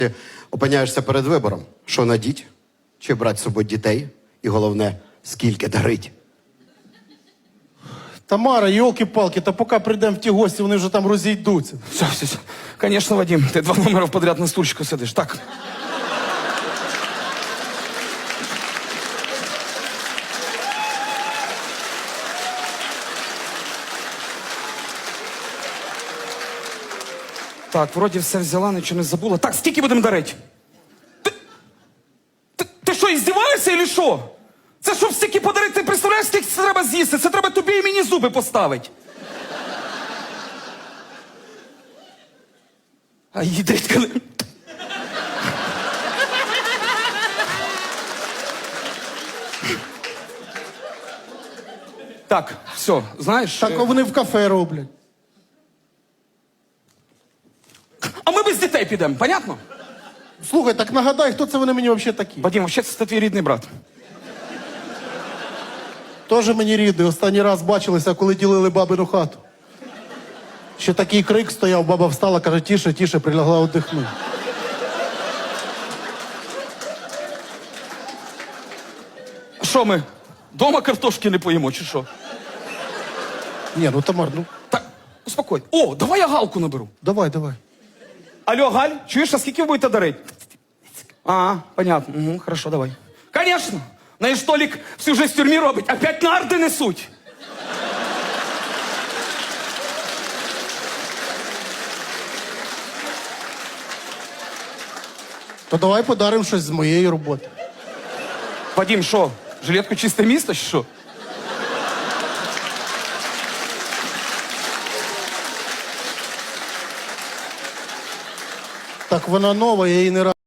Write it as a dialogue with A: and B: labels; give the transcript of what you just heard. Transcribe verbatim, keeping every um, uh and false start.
A: Ти опиняєшся перед вибором, що надіть, чи брати з собою дітей, і головне, скільки дарить.
B: Тамара, йолки-палки, та поки прийдемо в ті гості, вони вже там розійдуться.
C: Все, все, все. Конечно, Вадим, ти два номера подряд на стульчику сидиш. Так. Так, вроді все взяла, нічого не забула. Так, скільки будемо дарити? Ти, ти, ти що, іздіваєшся чи що? Це щоб стільки подарити, ти представляєш, скільки це треба з'їсти? Це треба тобі і мені зуби поставити. А їдрить коли... Так, все, знаєш...
B: Так
C: е,
B: вони в кафе роблять.
C: А ми без дітей підемо, понятно?
B: Слухай, так нагадай, хто це вони мені взагалі такі?
C: Вадим, взагалі це твій рідний брат.
B: Тоже мені рідний. Останній раз бачилися, коли ділили бабину хату. Ще такий крик стояв, баба встала, каже, тіше, тіше, прилягла отдихнути.
C: Що ми, дома картошки не поїмо, чи що?
B: Ні, ну Тамар, ну
C: Так, успокой. О, давай я Галку наберу.
B: давай, давай.
C: Алло, Галь, чуєш, а скільки ви будете дарити? А, понятно. Угу, хорошо, давай. Конечно. На Толік всю жизнь в тюрмі робить, опять нарди несуть.
B: То давай подаримо щось з моєї роботи.
C: Вадим, що, жилетку чисте місто, чи що?
B: Так вона нова, я її не раз.